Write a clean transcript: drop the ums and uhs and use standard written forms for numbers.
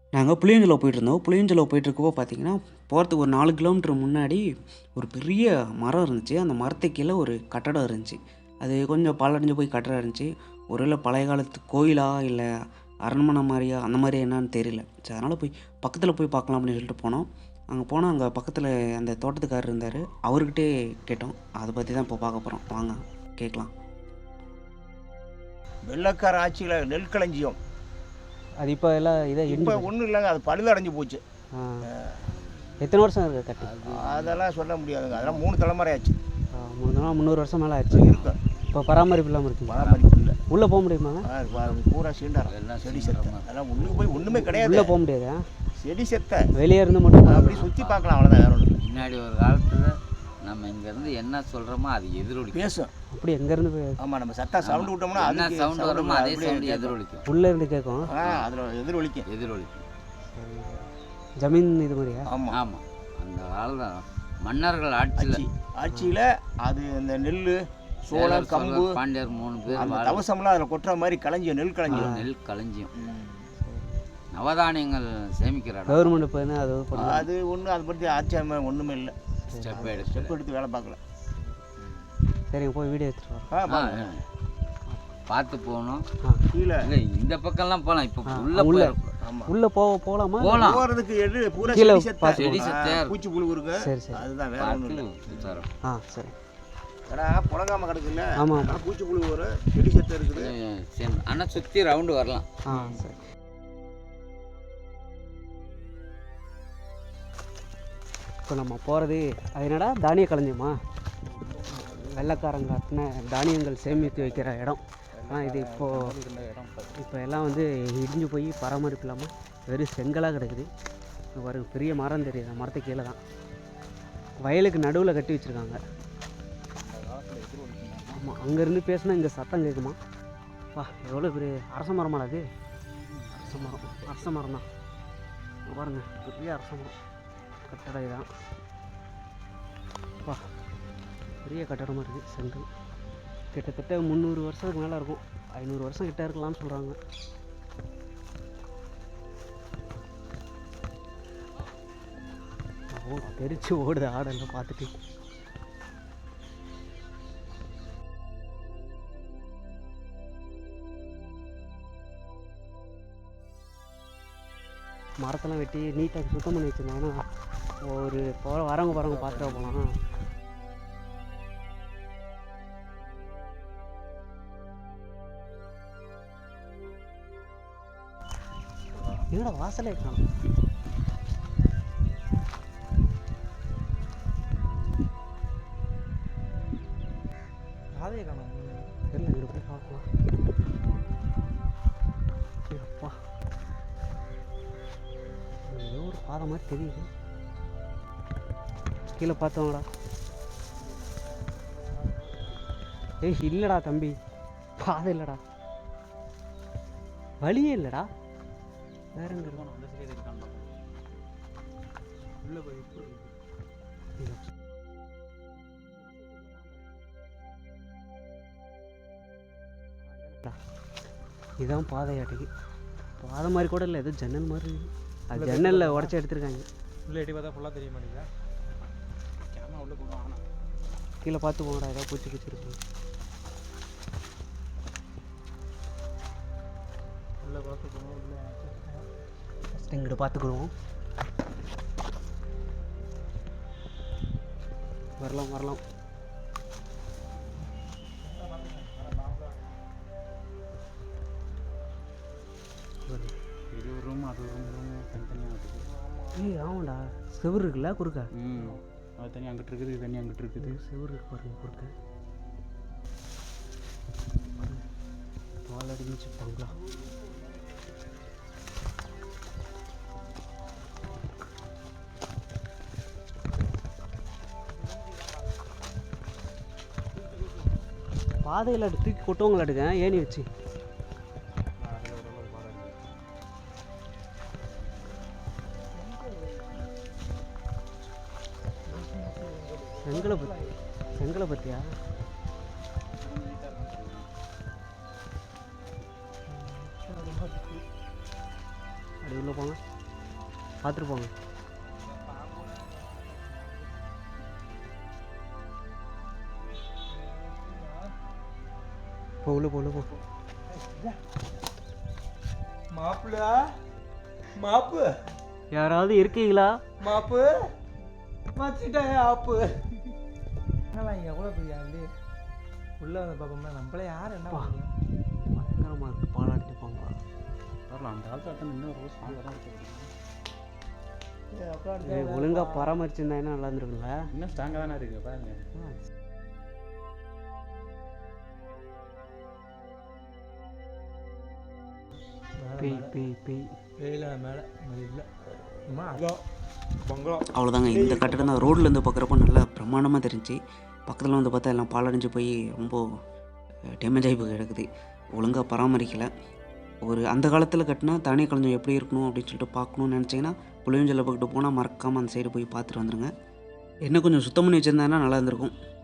நாங்கள் புளியஞ்சோலை போயிட்டுருந்தோம். புளியஞ்சோலை போயிட்டுருக்கப்போ பார்த்தீங்கன்னா, போகிறதுக்கு ஒரு 4 கிலோமீட்டர் முன்னாடி ஒரு பெரிய மரம் இருந்துச்சு. அந்த மரத்துக்கு கீழ ஒரு கட்டடம் இருந்துச்சு. அது கொஞ்சம் பாழடைஞ்சு போய் கட்டடம் இருந்துச்சு. ஒருவேளை பழைய காலத்து கோயிலா, இல்ல அரண்மனை மாரியா, அந்த மாரி என்னான்னு தெரியல. சரி அதனால போய் பக்கத்தில போய் பார்க்கலாம் அப்படின்னு சொல்லிட்டு போனோம். அங்க போனா அங்க பக்கத்தில அந்த தோட்டத்துக்காரர் இருந்தாரு. அவர்கிட்டயே கேட்டோம். அத பத்தி தான் இப்போ பார்க்க போறோம். வாங்க கேட்கலாம். வெள்ளக்கார ஆட்சியில் நெல் களஞ்சியம் அது இப்போ எல்லாம் இதை இப்போ ஒன்றும் இல்லைங்க, அது பழுதடைஞ்சு போச்சு. எத்தனை வருஷம் இருக்குது கட்டி? அதெல்லாம் சொல்ல முடியாதுங்க, அதெல்லாம் 3 தலைமுறை ஆச்சு. 300 வருஷம் மேலே ஆச்சு. இருக்கும், இப்போ பராமரிப்பு இல்லாமல் இருக்குங்க. பராமரிப்பு இல்லை. உள்ளே போக முடியுமாங்க? பூரா சீண்டாரம் எல்லாம் செடி செத்த, அதெல்லாம் உள்ளே போய் ஒன்றுமே கிடையாது. உள்ளே போக முடியாது, செடி செத்த. வெளியே இருந்து மட்டும் அப்படி சுற்றி பார்க்கலாம், அவ்வளோதான், வேற ஒன்றும் இல்லை. முன்னாடி ஒரு காலத்தில் நம்ம இங்கேருந்து என்ன சொல்கிறோமோ அது எதிரொலிக்கும், பேசும். அப்படி எங்கேருந்து போய்? ஆமாம், நம்ம சத்தா சவுண்டு விட்டோம்னா என்ன அது சவுண்டு வருமோ அதே சவுண்டு எதிரொலிக்கும். உள்ளே இருந்து கேட்கும். அதில் எதிரொலிக்கும். ஜமீன் இது மாதிரியா? ஆமாம் ஆமாம், அந்த காலத்தில் மன்னர்கள் ஆட்சியில் அது இந்த நெல், சோளம், கம்பு, பாண்டியர் 3 பேர் அந்த தவசம்லாம் அதில் கொட்டுற மாதிரி களஞ்சியம், நெல் களஞ்சியம். நெல் களஞ்சியம், நவதானியங்கள் சேமிக்கிற இடம். கவர்மெண்ட் இப்போ என்ன அது ஒன்றும் அதை பற்றி ஆட்சியம் ஒன்றுமே இல்லை. ஸ்டெப் எடுத்து வேலை பார்க்கல. சரிங்க, போய் வீடியோ எடுத்துட்டு வரோம். பார்த்து போகணும். கீழே இல்லை இந்த பக்கம்லாம் போகலாம். இப்போ உள்ளே போகலாமா? போகிறதுக்கு எடு பூரா கீழே செடி செத்த, பூச்சி புழு இருக்கு. சரி சரி, அதுதான், வேற ஒன்றும் இல்லை. சரி. ஏன்னா புழங்காம கிடக்குல்ல, ஆமாம், பூச்சி புழு வரும், செடி செத்த இருக்குது. ஆனால் சுற்றி ரவுண்டு வரலாம். சரி. இப்போ நம்ம போகிறது அது என்னடா, தானிய களஞ்சியமா? வெள்ளைக்காரங்க கட்டின தானியங்கள் சேமித்து வைக்கிற இடம். இது இப்போ எல்லாம் வந்து இடிஞ்சு போய் பராமரிப்பு இல்லாமல் வெறும் செங்கலாக கிடக்குது. ஒரு பெரிய மரம் தெரியுது, அந்த மரத்துக்கு கீழே தான் வயலுக்கு நடுவில் கட்டி வச்சுருக்காங்க. ஆமாம், அங்கேருந்து பேசினா இங்கே சத்தம் கேட்குமா? எவ்வளோ பெரிய அரச மரமாடா அது? அரச மரம் தான் பாருங்கள், பெரிய அரச மரம். கட்டடம் இதுதான். பெரிய கட்டடமாக இருக்குது, செங்கல். கிட்டத்தட்ட 300 வருஷத்துக்கு மேலே இருக்கும். 500 வருஷம் கிட்ட இருக்கலாம்னு சொல்கிறாங்க. தெரிச்சு ஓடுது ஆடெல்லாம் பார்த்துட்டு. மரத்தெல்லாம் வெட்டி நீட்டாக சுத்தம் பண்ணி வச்சுருந்தாங்கன்னா ஒரு வரவங்க பார்த்துட்டு போகலாம். என்னோட வாசலே காணும். பாதையை காணும், தெரியல. இங்கே போய் பார்க்கலாம். அப்பா, ஏதோ ஒரு பாதை மாதிரி தெரியுது. கீழே பார்த்தோம்டா. இல்லைடா தம்பி, பாதை இல்லைடா, வழியே இல்லைடா. வேற எங்க இருக்கணும்? அந்த சைடு இருக்கான்னு உள்ள போய் இதுதான் பாதையாட்டுக்கு. பாதை மாதிரி கூட இல்லை, ஏதோ ஜன்னல் மாதிரி இருக்குது. அது ஜன்னலில் உடச்சி எடுத்துருக்காங்க. உள்ளே எட்டி பார்த்தா ஃபுல்லாக தெரிய மாட்டேங்குதா? கேமரா உள்ளே போகணும். ஆனால் கீழே பார்த்து போங்கடா, ஏதாவது பூச்சி இருக்கு. உள்ளே பார்த்து போகணும். உள்ளே ஃபஸ்ட்டு இங்கிட்ட பார்த்துக்கிடுவோம். வரலாம். இது ஒரு ரூம், அது ஒரு ரூம் தனித்தனியாக இருக்குது. ஆமாண்டா, செவுரு இருக்குல்ல குறுக்க. அது தனியாக அங்கிட்டு இருக்குது, இது தனியாக அங்கிட்டு இருக்குது. செவுரு இருக்கு பாருங்க குறுக்க. பால் அடிச்சு போங்களா? பாதையில் தூக்கி கொட்டுவங்களாட்டுங்க ஏணி வச்சு. செங்கலை பற்றியா? அப்படி உள்ள போங்க. பார்த்துட்டு போங்க. உள்ள போ. மாப்பிள்ள மாப்பு யாராவது இருக்கீங்களா? மாப்பு வச்சுட்டேன் ஆப்பு. என்னலாம் எவ்வளோ பெரிய ஆளு உள்ளே வந்து பார்ப்போம்னா நம்மள யார் என்ன பண்ணுறோம். பயங்கரமாக இருக்குது. பாலாடிட்டு போங்க. வரலாம் அந்த காலத்தில் இன்னும் ரொம்ப ஸ்ட்ராங்காக தான் ஏய், ஒழுங்கா பராமரிச்சிருந்தா என்ன நல்லா இருந்திருக்குல்ல. இன்னும் ஸ்ட்ராங்காக தானே இருக்குது பாருங்க. பேய் வெயில மேலே இல்லை பங்களா அவ்வளோதாங்க. இந்த கட்டடம் தான் ரோட்லேருந்து பார்க்குறப்போ நல்லா பிரமாண்டமாக தெரிஞ்சு, பக்கத்தில் வந்து பார்த்தா எல்லாம் பாலடைஞ்சு போய் ரொம்ப டேமேஜ் ஆகி போய் கிடக்குது. ஒழுங்காக பராமரிக்கலை. ஒரு அந்த காலத்தில் கட்டினா தானிய களஞ்சியம் எப்படி இருக்கணும் அப்படின்னு சொல்லிட்டு பார்க்கணுன்னு நினச்சிங்கன்னா புளியஞ்சலை பக்கிட்டு போனால் மறக்காமல் அந்த சைடு போய் பார்த்துட்டு வந்துடுங்க. என்ன கொஞ்சம் சுத்தம் பண்ணி வச்சுருந்தாங்கன்னா நல்லா இருந்திருக்கும்.